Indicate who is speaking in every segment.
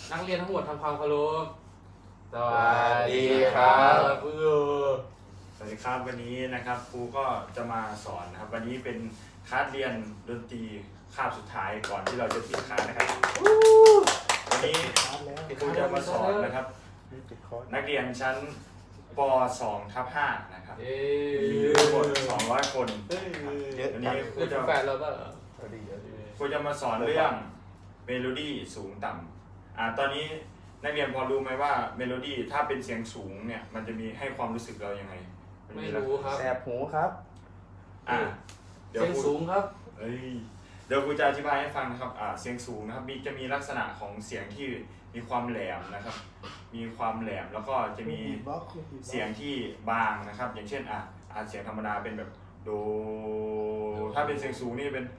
Speaker 1: นักเรียนทั้งหมดทำความเคารพ
Speaker 2: สวัสดีครับ
Speaker 3: สวัสดีครับวันนี้นะครับครูก็จะมาสอนนะครับวันนี้เป็นคลาสเรียนดนตรีคาบสุดท้ายก่อนที่เราจะปิดคลาสนะครับวันนี้ครูจะมาสอนนะครับนักเรียนชั้นป .2/5 นะครับมีทั้งหมด200 คนวันนี้ครูจะ
Speaker 1: แฟนเราก็
Speaker 3: ครูจะมาสอนเรื่องเมโลดี้สูงต่ำตอนนี้นักเรียนพอรู้ไหมว่าเมโลดี้ถ้าเป็นเสียงสูงเนี่ยมันจะมีให้ความรู้สึกเรายังไง
Speaker 1: ไม่รู้ครับ
Speaker 2: แสบหูครับ
Speaker 1: เสียงสูงครับ
Speaker 3: เดี๋ยวครูจะอธิบายให้ฟังนะครับเสียงสูงนะครับจะมีลักษณะของเสียงที่มีความแหลมนะครับมีความแหลมแล้วก็จะมีเสียงที่บางนะครับอย่างเช่นเสียงธรรมดาเป็นแบบโดถ้าเป็นเสียงสูงนี่เป็น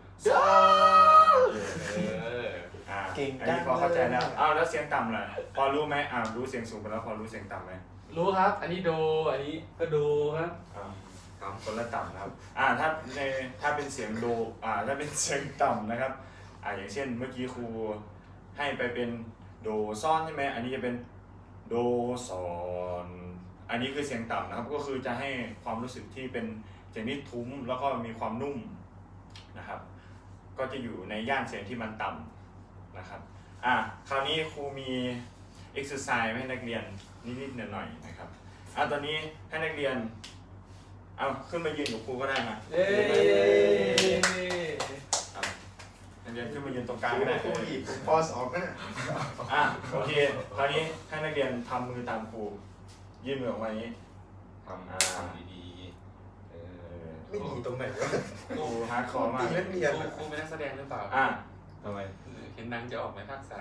Speaker 2: เก่ง
Speaker 3: อันนี้พอเข้าใจแล้วแล้วเสียงต่ำล่ะพอรู้ไหมรู้เสียงสูงไปแล้วพอรู้เสียงต่ำไหม
Speaker 1: รู้ครับอันนี้โดอันนี้ก็โดครับ
Speaker 3: คนละต่ำนะครับถ้าเป็นเสียงโดถ้าเป็นเสียงต่ำนะครับอย่างเช่นเมื่อกี้ครูให้ไปเป็นโดซ่อนใช่ไหมอันนี้จะเป็นโดซอนอันนี้คือเสียงต่ำนะครับก็คือจะให้ความรู้สึกที่เป็นเสียงที่ทุ้มแล้วก็มีความนุ่มนะครับก็จะอยู่ในย่านเสียงที่มันต่ำนะครับคราวนี้ครูมี exercise ให้นักเรียนนิดๆหน่อยๆนะครับตอนนี้ให้นักเรียนขึ้นมายืนกับครูก็ได้นะนักเรียนขึ้นมายืนตรงกลางก็ได้
Speaker 2: ครูอีกป .2 ก็ได้
Speaker 3: โอเคคราวนี้ให้นักเรียนทำมือตามครูยื่นมือออกมาอย่างนี้
Speaker 2: ทำดีๆ
Speaker 3: ไม่ดีตรงไหนวะครูฮาร์ดคอร์มาก
Speaker 1: ครูเป็นนักแสดงหรือเปล่า
Speaker 3: ทำไม
Speaker 1: เห็นนางจะออกในภาค3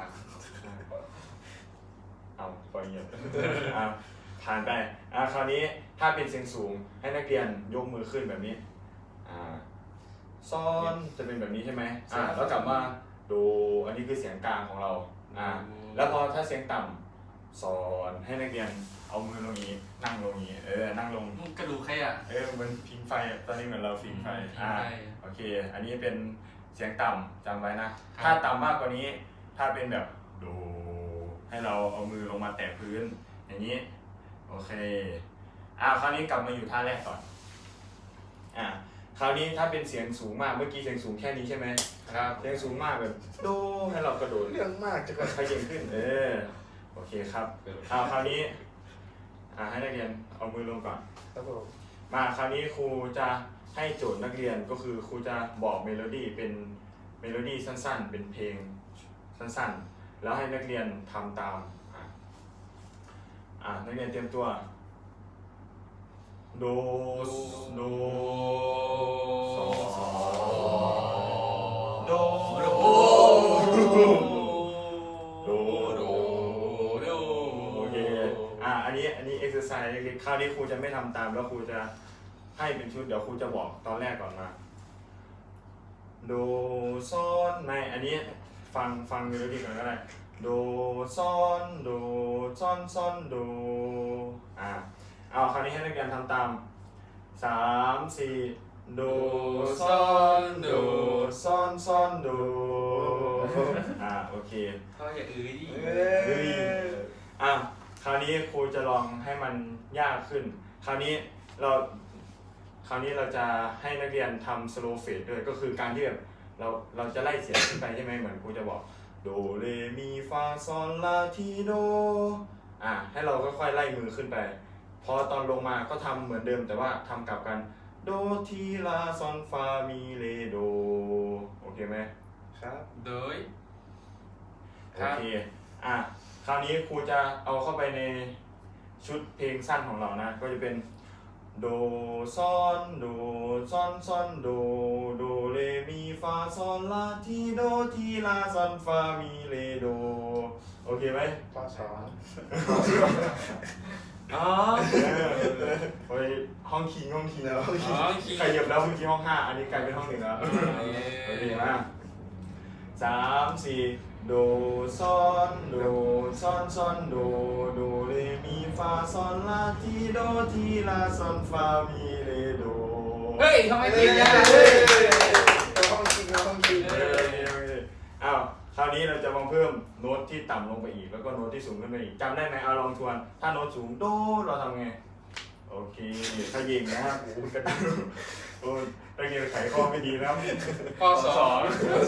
Speaker 3: ปล่อยเงียบผ่านไปคราวนี้ถ้าเป็นเสียงสูงให้นักเรียนยกมือขึ้นแบบนี้ซ้อนจะเป็นแบบนี้ใช่ไหมแล้วกลับมาดูอันนี้คือเสียงกลางของเราแล้วพอถ้าเสียงต่ำสอนให้นักเรียนเอามือลงนี้นั่งลงนี้นั่งลง
Speaker 1: กระดูกใคร
Speaker 3: เหมือนพิงไฟตอนนี้เหมือนเราพิงไฟโอเคอันนี้เป็นเสียงต่ำจำไว้นะถ้าต่ำมากกว่านี้ถ้าเป็นแบบดูให้เราเอามือลงมาแตะพื้นอย่างนี้โอเคคราวนี้กลับมาอยู่ท่าแรกก่อนคราวนี้ถ้าเป็นเสียงสูงมากเมื่อกี้เสียงสูงแค่นี้ใช่ไหม
Speaker 1: ครับ
Speaker 3: เสียงสูงมากแบบโดให้เรากระโดด
Speaker 2: เรื่องมากจะ
Speaker 3: ขยับขึ้นโอเคครับคราวนี้ให้นักเรียนเอามือลงก่อน
Speaker 2: ครับผม
Speaker 3: มาคราวนี้ครูจะให้โจทย์นักเรียนก็คือครูจะบอกเมโลดี้เป็นเมโลดี้สั้นๆเป็นเพลงสั้นๆแล้วให้นักเรียนทำตามนักเรียนเตรียมตัวโดโดซอโดโดโดโดโอเคอันนี้ exercise เล็กๆคราวนี้ครูจะไม่ทำตามแล้วครูจะให้เป็นชุดเดี๋ยวครูจะบอกตอนแรกก่อนมาโดซ้อนไม่อันนี้ฟังเมโลดี้ก่อนก็ได้โดซ้อนโดซ้อนซ้อนโดคราวนี้ให้นักเรียนทำตาม3 4โดซ้อนโดซ้อนซ้อนโดโอเค
Speaker 1: เขาอย่าดิ
Speaker 3: คราวนี้ครูจะลองให้มันยากขึ้นคราวนี้เราจะให้นักเรียนทำ slow fade ด้วยก็คือการที่แบบเราจะไล่เสียงขึ้นไปใช่ไหมเหมือนครูจะบอกโดเรมีฟาซอลลาทีโดให้เราค่อยๆไล่มือขึ้นไปพอตอนลงมาก็ทำเหมือนเดิมแต่ว่าทำกลับกันโดทีลาซอนฟามีเลโดโอเคไหม
Speaker 2: ครับ
Speaker 1: โดย
Speaker 3: โอเคคราวนี้ครูจะเอาเข้าไปในชุดเพลงสั้นของเรานะก็จะเป็นโดซอนโดซอนซอนโดโดเรมีฟาซอลลาทีโดทีลาซอนฟามีเลโดโอเคไหม
Speaker 2: ป .2
Speaker 3: ไปห้องคิงแล้วใครเหยียบแล้วเมื่อกี้ห้อง5อันนี้กลายเป็นห้อง1แล้วโอเคมาก3 4โดซอนโดซอนซอนโดโดเรมีฟาซอนลาทีโดทีลาซอนฟามีเลโด
Speaker 1: เฮ้ยทำไมเก่งจัง
Speaker 2: ห้องคิง
Speaker 3: คราวนี้เราจะมาเพิ่มโน้ตที่ต่ำลงไปอีกแล้วก็โน้ตที่สูงขึ้นไปอีกจำได้ไหมเอาลองทวนถ้าโน้ตสูงโดเราทำไงโอเคขยิงนะครับโอ้กระตุ้นโอ้ตะเกียบไขข้อไม่ดีนะครับ
Speaker 1: ข้อสอง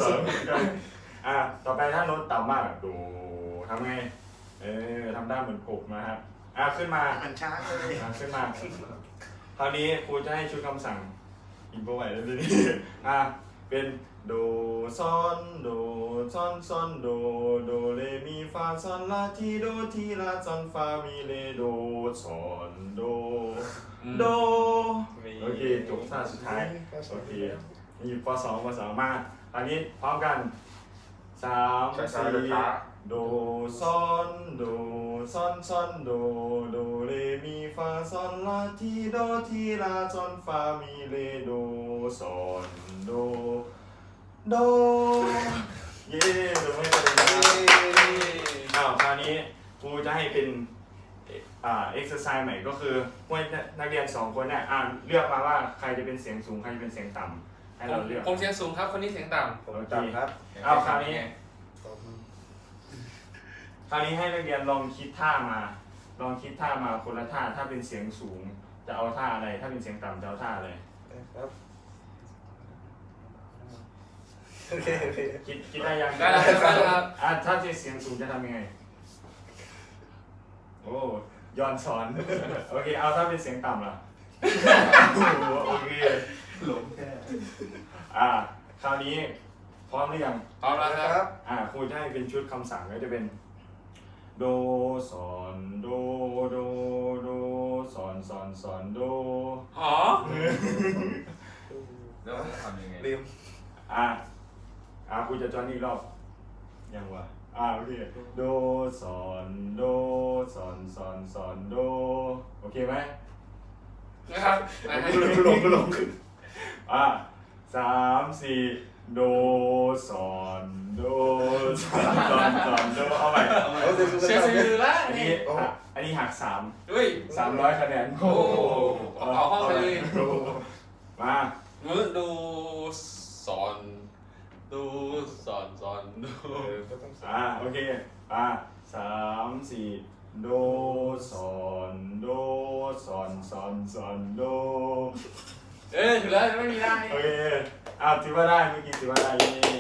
Speaker 3: ต่อไปถ้าโน้ตต่ำมากโดทำไงทำได้เหมือนกบนะครับขึ้นมา
Speaker 2: มันช้าเลย
Speaker 3: ขึ้นมาคราวนี้ครูจะให้ชุดคำสั่งอินโฟไว้แล้วทีนี้เป็นโดซอนโดซอนซอนโดโดเรมีฟาซอนลาทีโดทีลาซอนฟามีเลโดซอนโดโดโอเคจบท่าสุดท้ายโอเคนี่ปสองมาอันนี้พร้อมกัน3 4โดซอนโดซอนซอนโดโดเรมีฟาซอนลาทีโดทีลาซอนฟามีเลโดซอนโดโดเย้ดูไม่เป็นไรคราวนี้ครูจะให้เป็นexercise ใหม่ก็คือพวกนักเรียน2คนเนี่ยเลือกมาว่าใครจะเป็นเสียงสูงใครจะเป็นเสียงต่ำให้เราเลือก
Speaker 1: ผมเสียงสูงครับคนนี้เสียงต่
Speaker 2: ผมต่ำครับ
Speaker 3: คราวนี้ให้นักเรียนลองคิดท่ามาคนละท่าถ้าเป็นเสียงสูงจะเอาท่าอะไรถ้าเป็นเสียงต่ำจะเอาท่าอะไร
Speaker 2: ครับโอเค
Speaker 3: คิดได้ยัง
Speaker 1: ำได้ครับ
Speaker 3: ถ้าเสียงสูงจะทำยังไงโอ้ย้อนสอน โอเคเอาถ้าเป็นเสียงต่ำล่ะ โอเค
Speaker 2: หลงแค่
Speaker 3: คราวนี้พร้อมหรือยัง
Speaker 1: เอาละครับ
Speaker 3: ครูจะให้เป็นชุดคำสั่งก็จะเป็นโดสอนโดโดโดสอนสอนสอนโด
Speaker 1: อ๋อ
Speaker 4: แล้วทำยังไง
Speaker 2: ลืม
Speaker 3: ครูจะจอนอีกรอบยังวะโอเคโดสอนโดสอนสอนสอนโดโอเคไหม
Speaker 1: นะครับ
Speaker 2: ลง
Speaker 3: 3 4โดสอนโดสอนสอนสอนโดเอาใหม่
Speaker 1: เสียงสูงแล้ว
Speaker 3: อัน
Speaker 1: นี่
Speaker 3: นี้หัก
Speaker 1: เฮ้ย
Speaker 3: 300คะแนน
Speaker 1: โอ้เอาห้องไปเลย
Speaker 3: มา
Speaker 1: มือดูสอนดูสอนดู
Speaker 2: ก็ต้อง
Speaker 3: โอเค3 4โดสอนโดสอนสอนสอนโด
Speaker 1: ถึงแล้วไม่มีได้
Speaker 3: โอเคถือว่าได้เมื่อกี้ถือว่าได้เย้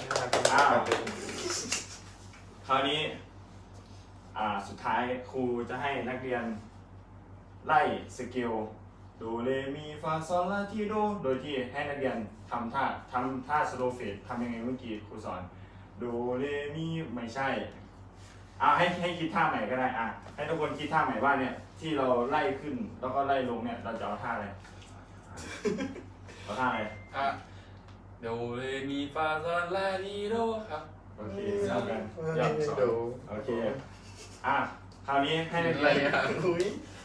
Speaker 3: คราวนี้สุดท้ายครูจะให้นักเรียนไล่สเกลโดเรมีฟาซอลลาทีโดโดยที่ให้นักเรียนทำท่าสโลเฟตทำยังไงเมื่อกี้ครูสอนโดเรมีไม่ใช่ให้คิดท่าใหม่ก็ได้ให้ทุกคนคิดท่าใหม่ว่าเนี่ยที่เราไล่ขึ้นแล้วก็ไล่ลงเนี่ยเราจะเอาท่าอะไรเอาท่าอะไร
Speaker 1: โดเรมีฟาซอลลาทีโดครับ
Speaker 3: โอเคทำกัน
Speaker 2: อยากสอน
Speaker 3: โอเคคราวนี้ให้นักเรียน
Speaker 2: อุ้ย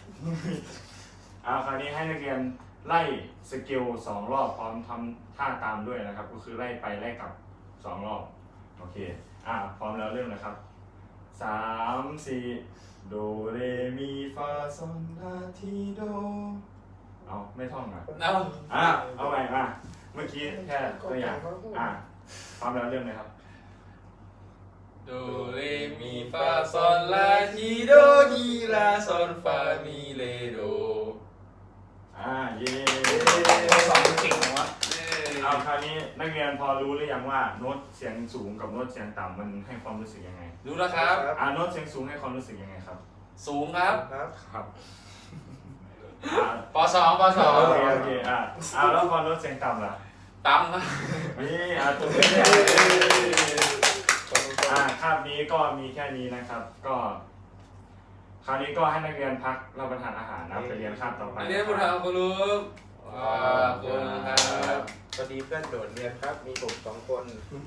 Speaker 3: คราวนี้ให้นักเรียนไล่สเกล2 รอบพร้อมทำท่าตามด้วยนะครับก็คือไล่ไปไล่กลับ2 รอบโอเคพร้อมแล้วเริ่มนะครับ3 4โดเรมีฟาซอลลาทีโดไม่ท่องเอาใหม่เมื่อกี้แค่ตัวอย่างพร้อมแล้วเริ่มเลยครับ
Speaker 1: โดเรมีฟาซอลลาทีโดทีลาซอนฟามีเลโด
Speaker 3: เย้
Speaker 1: สองเก่งวะ
Speaker 3: คราวนี้นักเรียนพอรู้หรือยังว่าโน้ตเสียงสูงกับโน้ตเสียงต่ำมันให้ความรู้สึกยังไง
Speaker 1: รู้แล้วครับ
Speaker 3: โน้ตเสียงสูงให้ความรู้สึกยังไงครับ
Speaker 1: สูงครับ
Speaker 2: ครับ
Speaker 1: ปสอง
Speaker 3: โอเคแล้วพอโน้ตเสียงต่ำล่ะ
Speaker 1: ต่ำครับ
Speaker 3: นี่ตัวนี้คาบนี้ก็มีแค่นี้นะครับ ก็คราวนี้ก็ให้นักเรียนพักรับประทานอาหารนะไปเรียนคาบต่อไป
Speaker 1: อันนี้คุณทางคุณรู้ขอบคุณครับ
Speaker 2: พอดีเพื่อนโดดเรียนครับ มีผม2 คน